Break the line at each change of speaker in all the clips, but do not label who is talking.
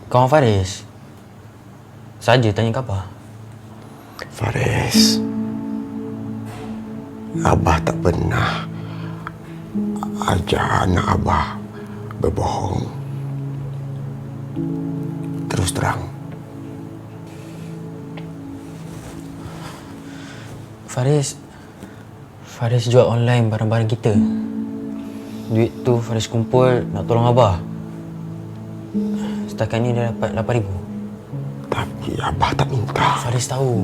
Kawan Faris. Saja tanya khabar.
Faris, Abah tak pernah ajar anak Abah berbohong. Terus terang.
Faris jual online barang-barang kita. Duit tu Faris kumpul nak tolong Abah. Setakat ni dia dapat 8,000.
Tapi Abah tak minta.
Faris tahu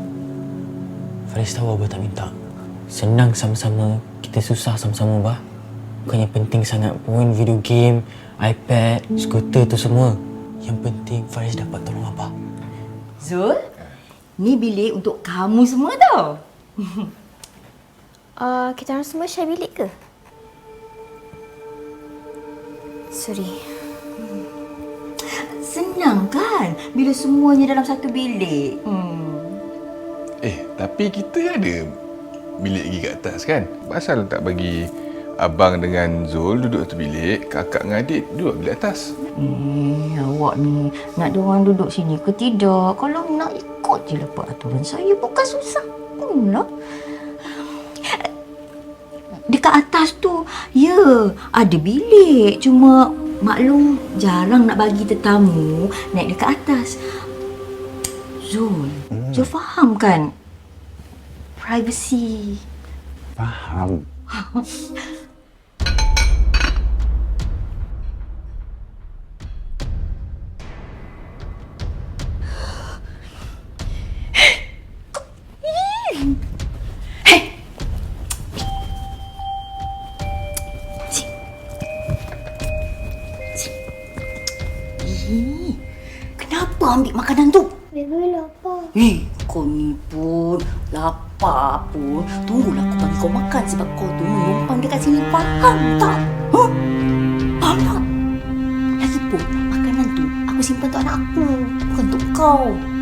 Abah tak minta. Senang sama-sama, kita susah sama-sama, Abah. Bukannya penting sangat pun video game, iPad, skuter tu semua. Yang penting Faris dapat tolong Abah.
Zul, ni bilik untuk kamu semua tau.
Kita orang semua share bilik ke? Sorry.
Senang kan bila semuanya dalam satu bilik.
Tapi kita ada bilik lagi kat atas kan? Pasal tak bagi abang dengan Zul duduk satu bilik, kakak dengan adik duduk bilik atas?
Awak ni nak diorang duduk sini ke tidak? Kalau nak ikut je lah peraturan saya, bukan susah pun lah. Dekat atas tu, ya, ada bilik. Cuma maklum jarang nak bagi tetamu naik dekat atas. Zul, Zul faham kan? Privacy.
Faham.
Kenapa ambil makanan tu?
Baby lapar.
Kau ni pun lapar pun. Tunggulah aku bagi kau makan sebab kau tu menumpang dekat sini. Faham tak? Faham tak? Lagipun, makanan tu aku simpan untuk anak aku, bukan untuk kau.